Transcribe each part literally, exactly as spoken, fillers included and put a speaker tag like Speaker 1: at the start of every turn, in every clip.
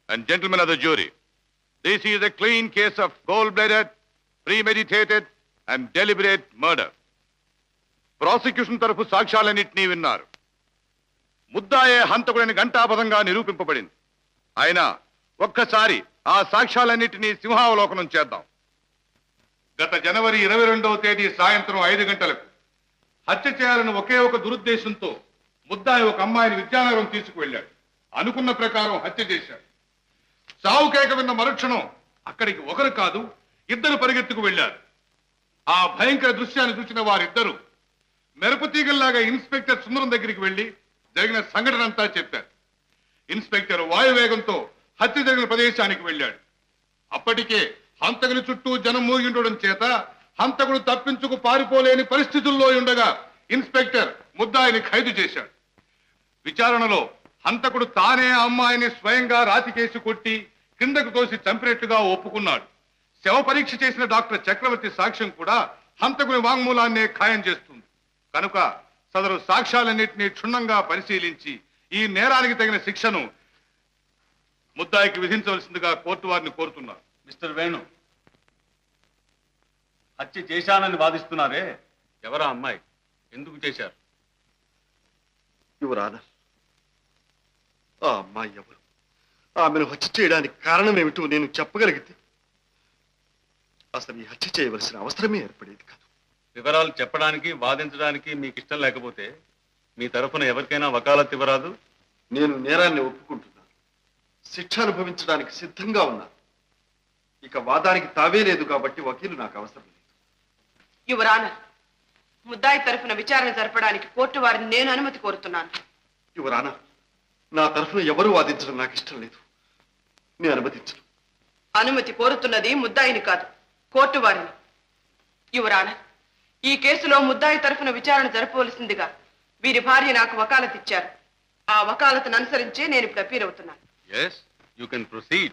Speaker 1: And gentlemen of the jury, this is a clean case of cold-blooded, premeditated and deliberate murder. Prosecution తరఫు సాక్ష్యాలన్నింటినీ విన్నారు. ముద్దాయే హంతకుడని ఘంటాపథంగా నిరూపింపబడింది. అయినా ఒక్కసారి ఆ సాక్ష్యాలన్నింటినీ సింహావలోకనం చేద్దాం. గత జనవరి ఇరవై రెండవ తేదీ సాయంత్రం ఐదు గంటలకు హత్య చేయాలని ఒకే ఒక దురుద్దేశంతో ముద్దాయి ఒక అమ్మాయిని విద్యానగరం తీసుకువెళ్ళాడు. అనుకున్న ప్రకారం హత్య చేశాడు. చావు కేక విన్న మరుక్షణం అక్కడికి ఒకరు కాదు ఇద్దరు పరిగెత్తుకు వెళ్లారు. ఆ భయంకర దృశ్యాన్ని చూసిన వారిద్దరూ మెరుపు తీగల్లాగా ఇన్స్పెక్టర్ సుందరం దగ్గరికి వెళ్లి జరిగిన సంఘటన అంతా చెప్పారు. ఇన్స్పెక్టర్ వాయువేగంతో హత్య జరిగిన ప్రదేశానికి వెళ్ళాడు. అప్పటికే హంతకుని చుట్టూ జనం మూగి ఉండడం చేత హంతకుడు తప్పించుకు పారిపోలేని పరిస్థితుల్లో ఉండగా ఇన్స్పెక్టర్ ముద్దాయిని ఖైదు చేశాడు. విచారణలో హంతకుడు తానే అమ్మాయిని స్వయంగా రాతికేసి కొట్టి కిందకు తోసి చంపినట్లుగా ఒప్పుకున్నాడు. శవ పరీక్ష చేసిన డాక్టర్ చక్రవర్తి సాక్ష్యం కూడా హంతకుని వాంగ్మూలాన్నే ఖాయం చేస్తుంది. కనుక సదరు సాక్ష్యాలన్నింటినీ క్షుణ్ణంగా పరిశీలించి ఈ నేరానికి తగిన శిక్షను ముద్దాయికి విధించవలసిందిగా కోర్టు వారిని కోరుతున్నారు.
Speaker 2: మిస్టర్ వేణు, హత్య చేశానని వాదిస్తున్నారే, ఎవరా అమ్మాయి, ఎందుకు చేశారు?
Speaker 3: యువర్ ఆనర్, ఆ అమ్మాయి ఎవరు, ఆమెను హత్య చేయడానికి కారణం ఏమిటో నేను చెప్పగలిగితే అసలు ఈ హత్య చేయవలసిన అవసరమే ఏర్పడేది కాదు.
Speaker 2: వివరాలు చెప్పడానికి వాదించడానికి మీకు ఇష్టం లేకపోతే మీ తరఫున ఎవరికైనా వకాలత్ ఇవ్వరాదు?
Speaker 3: నేను నేరాన్ని ఒప్పుకుంటున్నాను, శిక్ష అనుభవించడానికి సిద్ధంగా ఉన్నాను. ఇక వాదానికి తావే లేదు కాబట్టి వకీలు నాకు అవసరం లేదు.
Speaker 4: యువర్ ఆనర్, ముద్దాయి తరఫున విచారణ జరపడానికి కోర్టు వారిని నేను అనుమతి కోరుతున్నాను.
Speaker 3: యువర్ ఆనర్, నా తరఫున ఎవరు వాదించడం నాకు ఇష్టం లేదు, నేను అనుమతించను.
Speaker 4: అనుమతి కోరుతున్నది ముద్దాయిని కాదు, కోర్టు వారిని. యువర్ ఆనర్, ఈ కేసులో ముద్దాయి తరఫున విచారణ జరపవలసిందిగా వీరి భార్య నాకు వకాలత్ ఇచ్చారు. ఆ వకాలతను అనుసరించే నేను ఇప్పుడు అపీల్ అవుతున్నాను.
Speaker 2: yes you can proceed.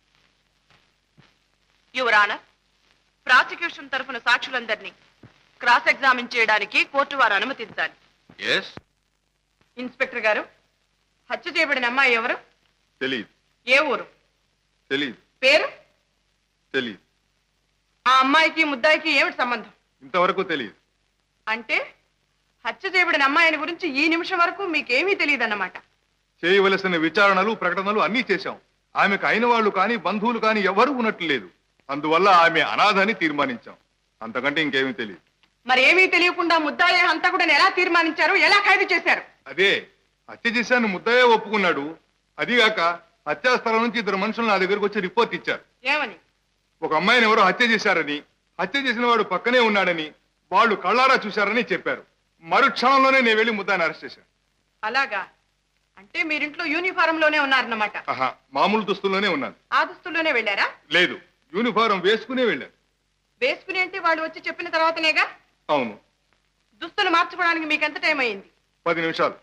Speaker 4: Your honour, prosecution తరఫున సాక్షులందరినీ క్రాస్ ఎగ్జామిన్ చేయడానికి కోర్టు వారు అనుమతించాలి.
Speaker 2: yes
Speaker 4: ఇన్స్పెక్టర్ గారు, హత్య చేయబడిన అమ్మాయి ఎవరు?
Speaker 1: తెలియదు.
Speaker 4: ఏ ఊరు?
Speaker 1: తెలియదు.
Speaker 4: పేరు?
Speaker 1: తెలియదు.
Speaker 4: ఆ అమ్మాయికి ముద్దాయికి ఏమిటి సంబంధం?
Speaker 1: ఇంతవరకు తెలియదు.
Speaker 4: అంటే హత్య చేయబడిన అమ్మాయిని గురించి ఈ నిమిషం వరకు మీకేమీ తెలియదన్నమాట.
Speaker 1: చేయవలసిన విచారణలు ప్రకటనలు అన్నీ చేశాం. ఆమెకు అయిన వాళ్ళు కానీ బంధువులు కానీ ఎవరు ఉన్నట్లు లేదు. అందువల్ల ఆమె అనాథని తీర్మానించాం. అంతకంటే ఇంకేమీ తెలియదు.
Speaker 4: మరి ఏమీ తెలియకుండా ముద్దాయి హంతకుడిని ఎలా తీర్మానించారు, ఎలా ఖైదు చేశారు?
Speaker 1: అదే హత్య చేశాను ముద్దయ్య ఒప్పుకున్నాడు. అదిగాక హత్యాస్థలం నుంచి ఇద్దరు మనుషులు నా దగ్గరకు వచ్చి రిపోర్ట్ ఇచ్చారు.
Speaker 4: ఏమని?
Speaker 1: ఒక అమ్మాయిని ఎవరో హత్య చేశారని, హత్య చేసిన వాడు పక్కనే ఉన్నాడని, వాళ్ళు కళ్ళారా చూశారని చెప్పారు. మరుక్షణంలోనే నేను వెళ్ళి ముద్దాయిని అరెస్ట్ చేశాను.
Speaker 4: అలాగా? అంటే మీరింట్లో యూనిఫారం లోనే ఉన్నారన్నమాట.
Speaker 1: ఆహా, మామూలు దుస్తుల్లోనే ఉన్నాను.
Speaker 4: ఆ దుస్తుల్లోనే వెళ్ళారా?
Speaker 1: లేదు, యూనిఫారం వేసుకునే వెళ్ళాను.
Speaker 4: వేసుకుని అంటే వాళ్ళు వచ్చి చెప్పిన తర్వాతనేగా?
Speaker 1: అవును.
Speaker 4: దుస్తులు మార్చుకోవడానికి మీకు ఎంత టైం అయింది?
Speaker 1: పది నిమిషాలు.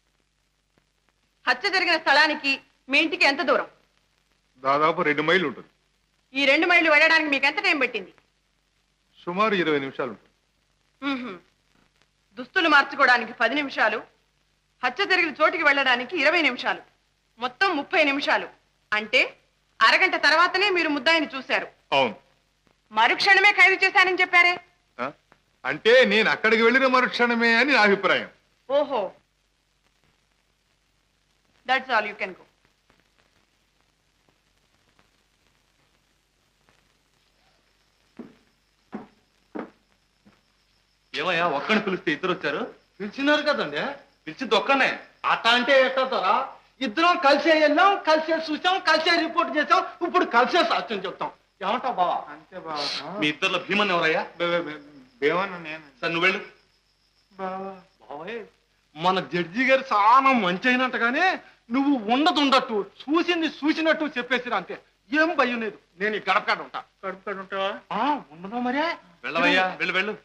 Speaker 4: హత్య జరిగిన స్థలానికి మీ ఇంటికి ఎంత దూరం?
Speaker 1: దాదాపు రెండు మైళ్ళు ఉంటుంది.
Speaker 4: ఈ రెండు మైళ్ళు వెళ్ళడానికి మీకు ఎంత టైం పట్టింది?
Speaker 1: సుమారు ఇరవై నిమిషాలు ఉంటుంది.
Speaker 4: మ్మ్హ్మ్. దుస్తులు మార్చుకోవడానికి పది నిమిషాలు, హత్య జరిగిన చోటికి వెళ్ళడానికి ఇరవై నిమిషాలు, మొత్తం ముప్పై నిమిషాలు. అంటే అరగంట తర్వాతనే మీరు ముద్దాయిని చూశారు.
Speaker 1: అవును.
Speaker 4: మరుక్షణమే ఖైదు చేశానని చెప్పారే?
Speaker 1: ఆ? అంటే నేను అక్కడికి వెళ్ళిన మరుక్షణమే అని నా అభిప్రాయం.
Speaker 4: ఓహో, that's all, you can go.
Speaker 2: ఏమయ్యా, ఒక్కడిని పిలిస్తే ఇద్దరు వచ్చారు?
Speaker 5: పిలిచినారు కదండి.
Speaker 2: పిలిచింది ఒక్కనే.
Speaker 5: అట్ట అంటే ఎట్టతారా? ఇద్దరం కలిసే వెళ్ళాం, కలిసే చూసాం, కలిసే రిపోర్ట్ చేసాం, ఇప్పుడు కలిసే సాక్ష్యం చెప్తాం. ఏమంటావు బావా?
Speaker 6: అంతే బావా.
Speaker 2: మీ ఇద్దరులో భీమన్ ఎవరయ్యా?
Speaker 6: భీమన్ నేను.
Speaker 2: సార్ నువ్వు వెళ్ళు.
Speaker 5: బావే, మన జడ్జి గారు చాలా మంచి అయినట్టుగానే నువ్వు ఉండదు ఉండట్టు, చూసింది చూసినట్టు చెప్పేసిరా. అంతే, ఏం భయం లేదు. నేను ఈ గడపకాడ ఉంటా.
Speaker 6: కడుపుకాడు ఉంటావా?
Speaker 5: ఉండదా మరే?
Speaker 2: వెళ్ళవయ్యా, వెళ్ళు వెళ్ళు.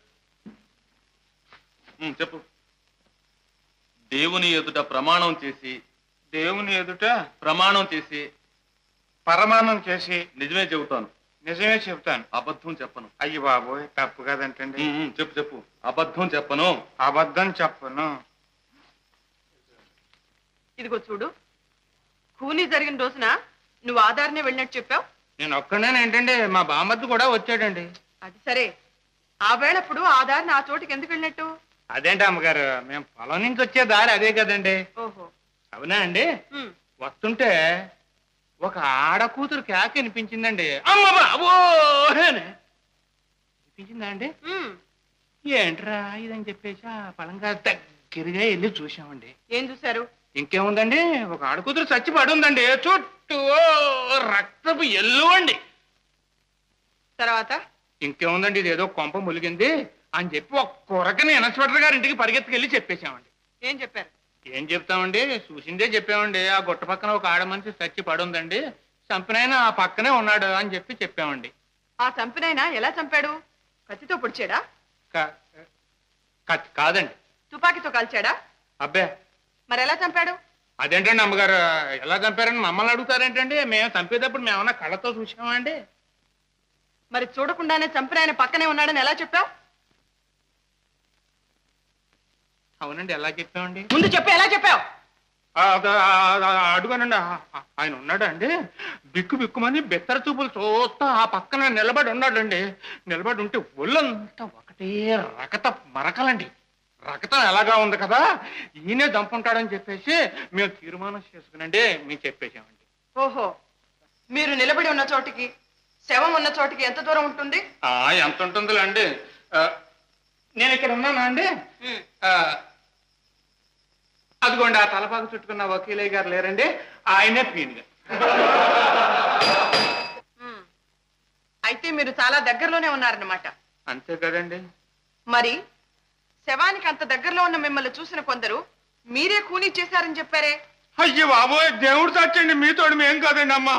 Speaker 2: ఉమ్, చెప్పు. దేవుని ఎదుట ప్రమాణం చేసి
Speaker 6: దేవుని ఎదుట
Speaker 2: ప్రమాణం చేసి
Speaker 6: పరమాణం చేసి
Speaker 2: నిజమే చెబుతాను.
Speaker 6: నిజమే చెప్తాను,
Speaker 2: అబద్ధం చెప్పను.
Speaker 6: అయ్యి బాబోయ్, తప్పు కదంటండి.
Speaker 2: ఉమ్, ఉమ్, చెప్పు చెప్పు. అబద్ధం చెప్పను.
Speaker 6: అబద్ధం చెప్పను.
Speaker 4: ఇదిగో చూడు, ఖూనీ జరిగిన రోజున నువ్వు ఆధారనే వెళ్ళినట్టు చెప్పావు.
Speaker 6: నేను ఒక్కడే ఏంటండి, మా బామ్మద్దు కూడా వచ్చాడండి.
Speaker 4: అది సరే, ఆ వేళప్పుడు ఆధారని ఆ చోటుకి ఎందుకు వెళ్ళినట్టు?
Speaker 6: అదేంటి అమ్మగారు, మేము పొలం నుంచి వచ్చే దారి అదే కదండి.
Speaker 4: ఓహో.
Speaker 6: అవునా అండి?
Speaker 4: ఉమ్.
Speaker 6: వస్తుంటే ఒక ఆడ కూతురు కేక వినిపించిందండి. అమ్మ బాబో వినిపించిందా అండి?
Speaker 4: ఉమ్.
Speaker 6: ఏంట్రా ఇదని చెప్పేసి ఆ పొలంగా దగ్గరగా వెళ్ళి చూసామండి.
Speaker 4: ఏం చూశారు?
Speaker 6: ఇంకేముందండి, ఒక ఆడ కూతురు చచ్చి పడి ఉందండి. చుట్టూ రక్తపు ఎల్లు అండి.
Speaker 4: తర్వాత?
Speaker 6: ఇంకేముందండి, ఇదేదో కొంప ములిగింది అని చెప్పి ఒక కొరకని ఇన్స్పెక్టర్ గారి ఇంటికి పరిగెత్తుకెళ్ళి చెప్పేశామండి.
Speaker 4: ఏం చెప్పారు?
Speaker 6: ఏం చెప్తామండి, చూసిందే చెప్పామండి. ఆ గుట్ట పక్కన ఒక ఆడ మనిషి చచ్చి పడి ఉందండి, చంపినైనా ఆ పక్కనే ఉన్నాడు అని చెప్పి చెప్పామండి.
Speaker 4: ఆ చంపినైనా ఎలా చంపాడు? కత్తితో పొడిచాడా?
Speaker 6: కాదండి.
Speaker 4: తుపాకీతో కాల్చాడా?
Speaker 6: అబ్బే,
Speaker 4: మరి ఎలా చంపాడు?
Speaker 6: అదేంటండి అమ్మగారు, ఎలా చంపారని మమ్మల్ని అడుగుతారేంటండి? మేము చంపేటప్పుడు మేమన్నా కళ్ళతో చూసామా అండి?
Speaker 4: మరి చూడకుండానే చంపిన ఆయన పక్కనే ఉన్నాడని ఎలా చెప్పావు?
Speaker 6: అవునండి, ఎలా చెప్పామండి?
Speaker 4: ముందు చెప్పు, ఎలా చెప్పావు?
Speaker 6: అడుగానండి, ఆయన ఉన్నాడు అండి. బిక్కు బిక్కుమని బెత్తర చూపులు చూస్తా ఆ పక్కన నిలబడి ఉన్నాడండి. నిలబడి ఉంటే ఒళ్ళంతా ఒకటే రకత మరకలండి. రక్తం ఎలాగా ఉంది కదా, ఈయనే దంపుంటాడని చెప్పేసి మేము తీర్మానం చేసుకునండి మేము చెప్పేసామండి.
Speaker 4: ఓహో, మీరు నిలబడి ఉన్న చోటికి శవం ఉన్న చోటికి ఎంత దూరం ఉంటుంది?
Speaker 6: ఎంత ఉంటుందిలే అండి. నేను ఇక్కడ ఉన్నానా అండి? అదిగోండి, ఆ తలపాకు చుట్టుకున్న వకీలయ్య గారు లేరండి, ఆయనే పీనుగా.
Speaker 4: అయితే మీరు చాలా దగ్గరలోనే ఉన్నారన్నమాట.
Speaker 6: అంతే కదండి.
Speaker 4: మరి శవానికి అంత దగ్గరలో ఉన్న మిమ్మల్ని చూసిన కొందరు మీరే ఖూనీ చేశారని చెప్పారే?
Speaker 6: అయ్యో బాబోయ్, దేవుడు సాక్షండి, మీతోడు మేం కాదండి అమ్మా.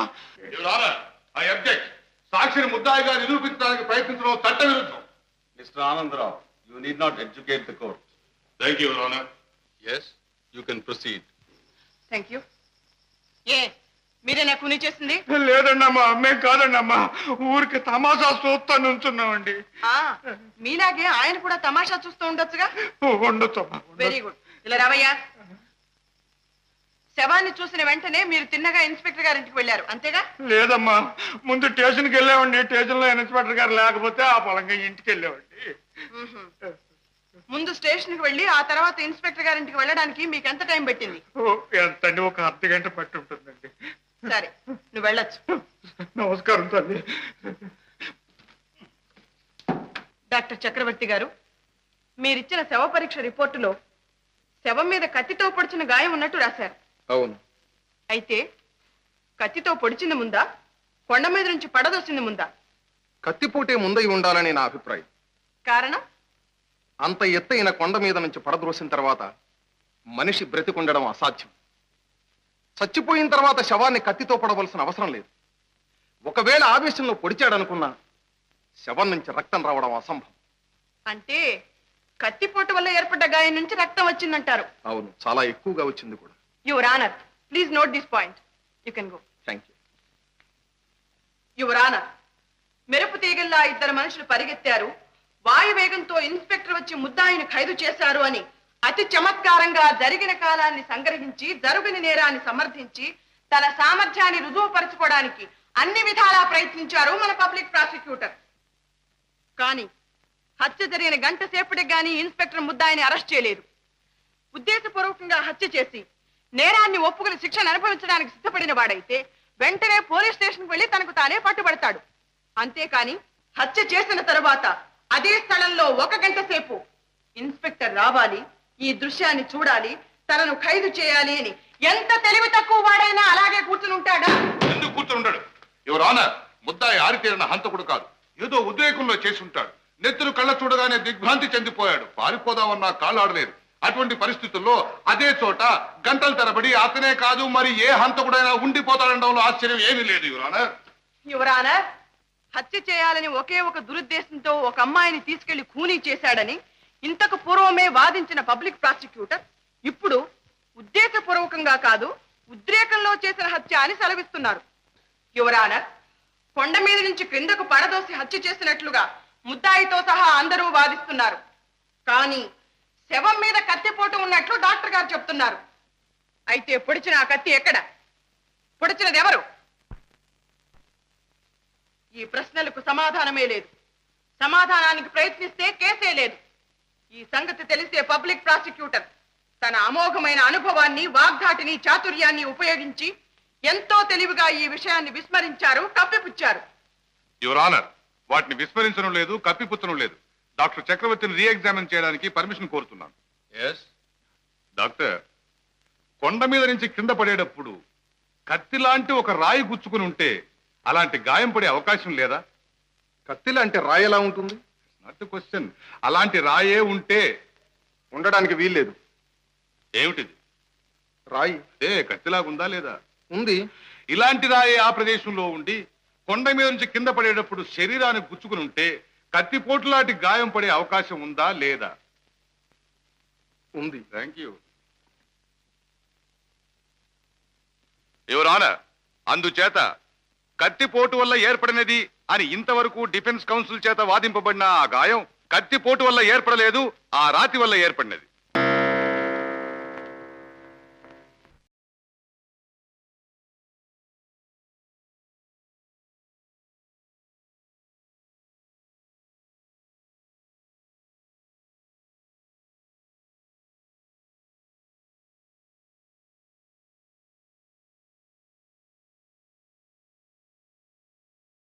Speaker 1: సాక్షిని ముద్దాయిగా నిరూపించడానికి ప్రయత్నించడం చట్ట విరుద్ధం.
Speaker 3: Mister Anandarao, you need not educate the court.
Speaker 1: Thank you, your honour.
Speaker 2: Yes, you can proceed.
Speaker 4: Thank you. ఏ మీరేనా ఖూనీ చేసింది?
Speaker 6: లేదండి అమ్మా, మేం కాదండి అమ్మా, ఊరికి తమాషా చూస్తా నుంచున్నామండి.
Speaker 4: ఆ మీలాగే ఆయన కూడా తమాషా చూస్తూ ఉండొచ్చుగా.
Speaker 6: ఉండొచ్చు.
Speaker 4: Very good. ఇలా రావయ్యా. శవాన్ని చూసిన వెంటనే మీరు తిన్నగా ఇన్స్పెక్టర్ గారి ఇంటికి వెళ్ళారు, అంతేగా?
Speaker 6: లేదమ్మా, ముందు స్టేషన్కి వెళ్ళామండి. స్టేషన్ లో ఇన్స్పెక్టర్ గారు లేకపోతే ఆ పొలంగా ఇంటికి వెళ్ళామండి.
Speaker 4: ముందు స్టేషన్ కి వెళ్ళి ఆ తర్వాత ఇన్స్పెక్టర్ గారి ఇంటికి వెళ్ళడానికి మీకు ఎంత టైం పెట్టింది?
Speaker 6: ఎంతండి, ఒక అర్ధ గంట పట్టి ఉంటుందండి.
Speaker 4: సరే, నువ్వు వెళ్ళొచ్చు.
Speaker 6: నమస్కారం తల్లి.
Speaker 4: డాక్టర్ చక్రవర్తి గారు, మీరిచ్చిన శవ పరీక్ష రిపోర్టులో శవం మీద కత్తితో పొడిచిన గాయం ఉన్నట్టు రాశారు.
Speaker 3: అవును.
Speaker 4: అయితే కత్తితో పొడిచింది ముందా, కొండ మీద నుంచి పడదోసింది ముందా?
Speaker 3: కత్తిపోటే ముందై ఉండాలని నా అభిప్రాయం.
Speaker 4: కారణం?
Speaker 3: అంత ఎత్తైన కొండ మీద నుంచి పడద్రోసిన తర్వాత మనిషి బ్రతికుండడం అసాధ్యం. చచ్చిపోయిన తర్వాత శవాన్ని కత్తితో పడవలసిన అవసరం లేదు. ఒకవేళ ఆవేశంలో పొడిచాడనుకున్నా శవం నుంచి రక్తం రావడం అసంభవం.
Speaker 4: అంటే కత్తిపోటు వల్ల ఏర్పడ్డ గాయం నుంచి రక్తం వచ్చిందంటారు?
Speaker 3: అవును, చాలా ఎక్కువగా వచ్చింది కూడా.
Speaker 4: Your honour, please note this point. You can go.
Speaker 3: Thank you.
Speaker 4: Your honour, మెరుపు తీగల్లా ఇద్దరు మనుషులు పరిగెత్తారు, వాయువేగంతో ఇన్స్పెక్టర్ వచ్చి ముద్దాయిని ఖైదు చేశారు అని అతి చమత్కారంగా జరిగిన కాలాన్ని సంగ్రహించి జరుగుని నేరాన్ని సమర్థించి తన సామర్థ్యాన్ని రుజువుపరచుకోవడానికి అన్ని విధాలా ప్రయత్నించారు మన పబ్లిక్ ప్రాసిక్యూటర్. కానీ హత్య జరిగిన గంట సేపటికి గానీ ఇన్స్పెక్టర్ ముద్దాయిని అరెస్ట్ చేయలేదు. ఉద్దేశపూర్వకంగా హత్య చేసి నేరాన్ని ఒప్పుకుని శిక్షను అనుభవించడానికి సిద్ధపడిన వాడైతే వెంటనే పోలీస్ స్టేషన్కి వెళ్లి తనకు తానే పట్టుబడతాడు. అంతేకాని హత్య చేసిన తరువాత అదే స్థలంలో ఒక గంట సేపు ఇన్స్పెక్టర్ రావాలి, ఈ దృశ్యాన్ని చూడాలి, తనను ఖైదు చేయాలి అని ఎంత తెలివి తక్కువ వాడైనా అలాగే కూర్చుని ఉంటాడా?
Speaker 1: ఎందుకు కూర్చుని ఉంటాడు? యువర్ ఆనర్, ముద్దాయి ఆరితేరిన హంతకుడు కాదు, ఏదో ఉద్రేకంలో చేసి ఉంటాడు. నెత్తురు కళ్ళ చూడగానే దిగ్భ్రాంతి చెందిపోయాడు. పారిపోదామన్నా కాళ్ళు ఆడలేదు. అటువంటి పరిస్థితుల్లో అదే చోట గంటల తరబడి అతనే కాదు మరి ఏ హంతకుడైనా ఉండిపోతాడనడంలో ఆశ్చర్యం ఏమీ లేదు. Your honour.
Speaker 4: యువర్ ఆనర్, హత్య చేయాలని ఒకే ఒక దురుద్దేశంతో ఒక అమ్మాయిని తీసుకెళ్లి ఖూనీ చేశాడని ఇంతకు పూర్వమే వాదించిన పబ్లిక్ ప్రాసిక్యూటర్ ఇప్పుడు ఉద్దేశపూర్వకంగా కాదు ఉద్రేకంలో చేసిన హత్య అని సెలవిస్తున్నారు. యువర్ ఆనర్, కొండ మీద నుంచి క్రిందకు పడదోసి హత్య చేసినట్లుగా ముద్దాయితో సహా అందరూ వాదిస్తున్నారు. కానీ శవం మీద కత్తిపోటు ఉన్నట్లు డాక్టర్ గారు చెప్తున్నారు. అయితే పొడిచిన ఆ కత్తి ఎక్కడ? పొడిచినది ఎవరు? ఈ ప్రశ్నలకు సమాధానమే లేదు. సమాధానానికి ప్రయత్నిస్తే కేసే లేదు. ఈ సంగతి తెలిసే పబ్లిక్ ప్రాసిక్యూటర్ తన అమోఘమైన అనుభవాన్ని, వాగ్ధాటిని, చాతుర్యాన్ని ఉపయోగించి ఎంతో తెలివిగా ఈ విషయాన్ని విస్మరించారు, కప్పిపుచ్చారు.
Speaker 1: యువర్ ఆనర్, వాటిని విస్మరించడం లేదు, కప్పిపుచ్చడం లేదు. డాక్టర్ చక్రవర్తిని రీఎగ్జామిన్ చేయడానికి పర్మిషన్ కోరుతున్నాను.
Speaker 2: ఎస్.
Speaker 1: డాక్టర్, కొండ మీద నుంచి కింద పడేటప్పుడు కత్తి లాంటి ఒక రాయి గుచ్చుకుని ఉంటే అలాంటి గాయం పడే అవకాశం లేదా?
Speaker 3: కత్తిలా అంటే రాయి ఎలా ఉంటుంది?
Speaker 1: Not question. అలాంటి రాయే ఉంటే
Speaker 3: ఉండడానికి వీల్లేదు.
Speaker 1: ఏమిటిది?
Speaker 3: రాయి
Speaker 1: ఏ కత్తిలాగుందా లేదా?
Speaker 3: ఉంది.
Speaker 1: ఇలాంటి రాయే ఆ ప్రదేశంలో ఉండి కొండ మీద నుంచి కింద పడేటప్పుడు శరీరానికి గుచ్చుకుని ఉంటే కత్తిపోటు లాంటి గాయం పడే అవకాశం ఉందా లేదా?
Speaker 3: ఉంది.
Speaker 1: Thank you your honour. అందుచేత కత్తిపోటు వల్ల ఏర్పడినది అని ఇంతవరకు డిఫెన్స్ కౌన్సిల్ చేత వాదింపబడిన ఆ గాయం కత్తిపోటు వల్ల ఏర్పడలేదు, ఆ రాతి వల్ల ఏర్పడినది.